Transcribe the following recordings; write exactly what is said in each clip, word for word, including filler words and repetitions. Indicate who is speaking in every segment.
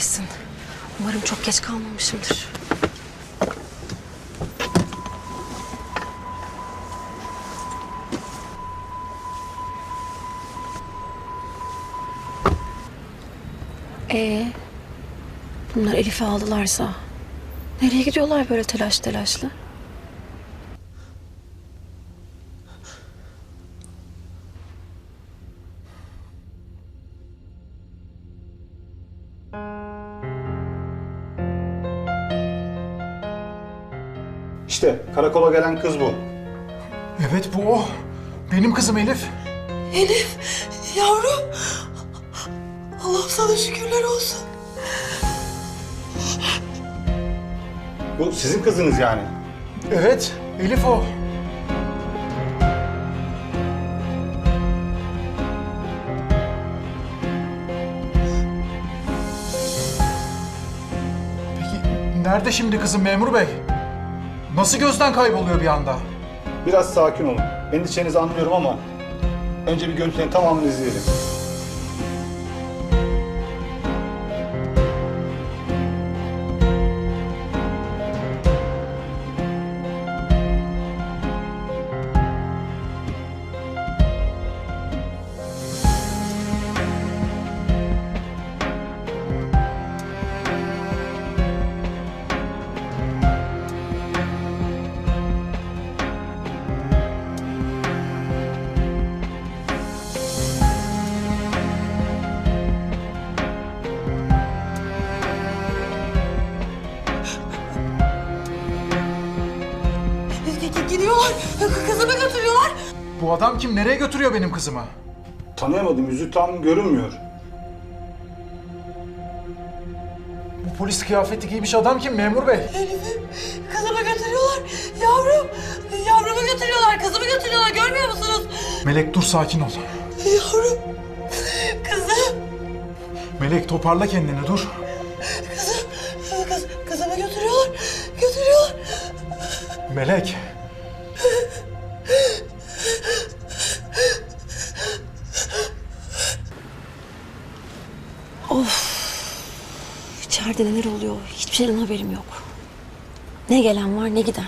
Speaker 1: kahretsin. Umarım çok geç kalmamışımdır. Ee, bunlar Elif'i aldılarsa nereye gidiyorlar böyle telaş telaşlı?
Speaker 2: İşte karakola gelen kız bu.
Speaker 3: Evet bu o. Benim kızım Elif.
Speaker 4: Elif, yavrum. Allah'ım sana şükürler olsun.
Speaker 2: Bu sizin kızınız yani.
Speaker 3: Evet, Elif o. Peki nerede şimdi kızım memur bey? Nasıl gözden kayboluyor bir anda?
Speaker 2: Biraz sakin olun. Endişenizi anlıyorum ama önce bir görüntülerin tamamını izleyelim.
Speaker 4: Gidiyorlar, kızımı götürüyorlar.
Speaker 3: Bu adam kim? Nereye götürüyor benim kızımı?
Speaker 2: Tanıyamadım. Yüzü tam görünmüyor.
Speaker 3: Bu polis kıyafeti giymiş adam kim memur bey?
Speaker 4: Elif'im, kızımı götürüyorlar. Yavrum, yavrumu götürüyorlar, kızımı götürüyorlar. Görmüyor musunuz?
Speaker 3: Melek dur sakin ol.
Speaker 4: Yavrum, kızım,
Speaker 3: Melek toparla kendini dur.
Speaker 4: kızım, kız, kızımı götürüyorlar, götürüyorlar.
Speaker 3: Melek.
Speaker 1: Of. İçeride neler oluyor? Hiçbir şeyden haberim yok. Ne gelen var ne giden.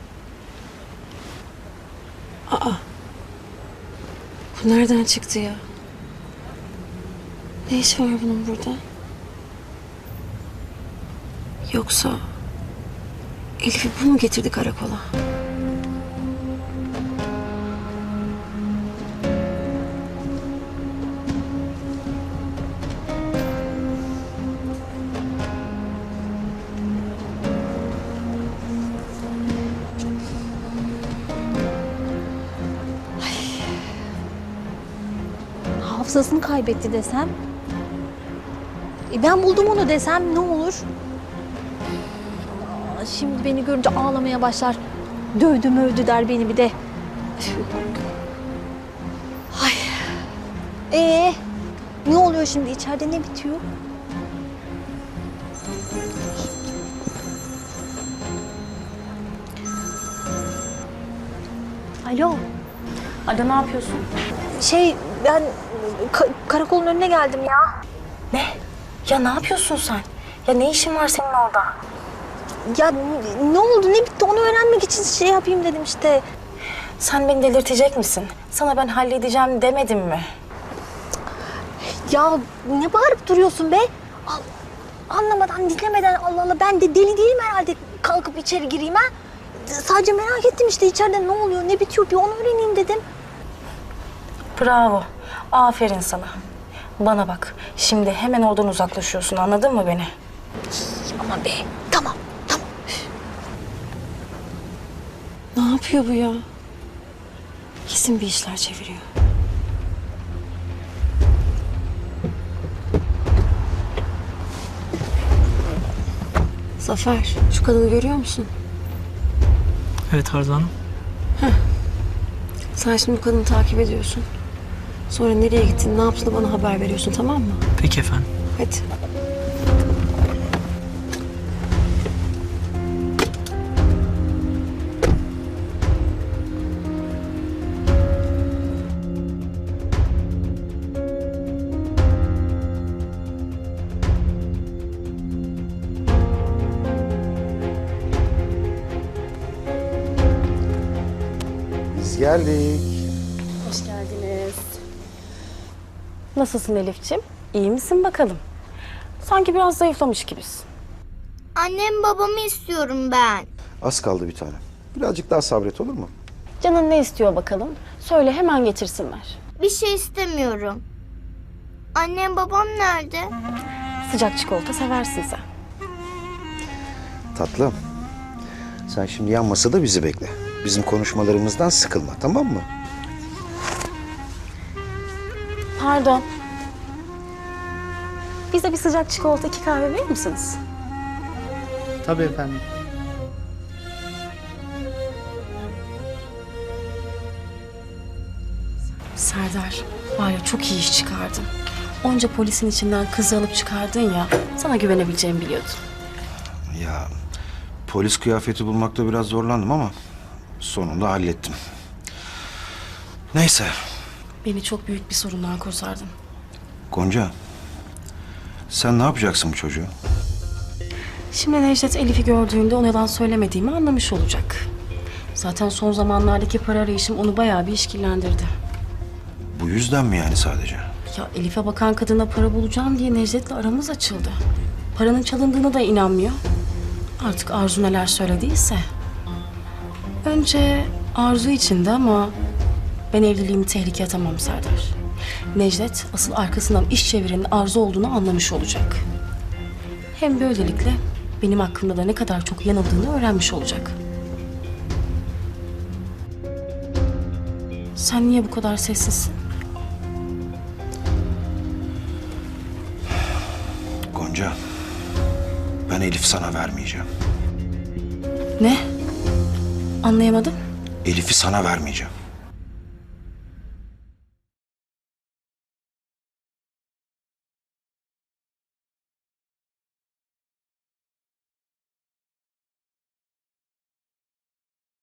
Speaker 1: Aa. Bu nereden çıktı ya? Ne işi var bunun burada? Yoksa Elif'i bu mu getirdi karakola?
Speaker 5: Hafızasını kaybetti desem. E ben buldum onu desem ne olur? Aa, şimdi beni görünce ağlamaya başlar. Dövdü mövdü der beni bir de. Ay. Ee, ne oluyor şimdi? İçeride ne bitiyor? Alo.
Speaker 6: Ada ne yapıyorsun?
Speaker 5: Şey ben ka- karakolun önüne geldim ya.
Speaker 6: Ne? Ya ne yapıyorsun sen? Ya ne işin var senin orada?
Speaker 5: Ya n- ne oldu ne bitti onu öğrenmek için şey yapayım dedim işte.
Speaker 6: Sen beni delirtecek misin? Sana ben halledeceğim demedim mi?
Speaker 5: Ya ne bağırıp duruyorsun be? Al, anlamadan dinlemeden Allah Allah ben de deli değilim herhalde kalkıp içeri gireyim ha. Sadece merak ettim işte içeride ne oluyor ne bitiyor bir onu öğreneyim dedim.
Speaker 6: Bravo. Aferin sana. Bana bak. Şimdi hemen oradan uzaklaşıyorsun. Anladın mı beni?
Speaker 5: Aman be tamam tamam.
Speaker 1: Ne yapıyor bu ya? Kesin bir işler çeviriyor. Zafer, şu kadını görüyor musun?
Speaker 7: Evet Arzu Hanım.
Speaker 1: Sen şimdi bu kadını takip ediyorsun. Sonra nereye gittin, ne yaptığını bana haber veriyorsun, tamam mı?
Speaker 7: Peki efendim.
Speaker 1: Hadi.
Speaker 8: geldik.
Speaker 6: Hoş geldiniz. Nasılsın Elif'ciğim? İyi misin bakalım? Sanki biraz zayıflamış gibisin.
Speaker 9: Annem babamı istiyorum ben.
Speaker 8: Az kaldı bir tane. Birazcık daha sabret olur mu?
Speaker 6: Canın ne istiyor bakalım? Söyle hemen getirsinler.
Speaker 9: Bir şey istemiyorum. Annem babam nerede?
Speaker 6: Sıcak çikolata seversin sen.
Speaker 8: Tatlım. Sen şimdi yan masada bizi bekle. Bizim konuşmalarımızdan sıkılma, tamam mı?
Speaker 6: Pardon. Bize bir sıcak çikolata, iki kahve verir misiniz?
Speaker 7: Tabii efendim.
Speaker 6: Serdar, var ya çok iyi iş çıkardın. Onca polisin içinden kızı alıp çıkardın ya, sana güvenebileceğimi biliyordum.
Speaker 8: Ya polis kıyafeti bulmakta biraz zorlandım ama sonunda hallettim. Neyse.
Speaker 6: Beni çok büyük bir sorundan kurtardın.
Speaker 8: Gonca, sen ne yapacaksın bu çocuğu?
Speaker 6: Şimdi Necdet Elif'i gördüğünde ona yalan söylemediğimi anlamış olacak. Zaten son zamanlardaki para arayışım onu bayağı bir işkillendirdi.
Speaker 8: Bu yüzden mi yani sadece?
Speaker 6: Ya Elif'e bakan kadına para bulacağım diye Necdet'le aramız açıldı. Paranın çalındığına da inanmıyor. Artık Arzu neler söylediyse. Önce Arzu içinde ama ben evliliğimi tehlikeye atamam Serdar. Necdet asıl arkasından iş çevirenin Arzu olduğunu anlamış olacak. Hem böylelikle benim hakkımda da ne kadar çok yanıldığını öğrenmiş olacak. Sen niye bu kadar sessizsin?
Speaker 8: Gonca, ben Elif sana vermeyeceğim.
Speaker 6: Ne? Anlayamadım.
Speaker 8: Elif'i sana vermeyeceğim.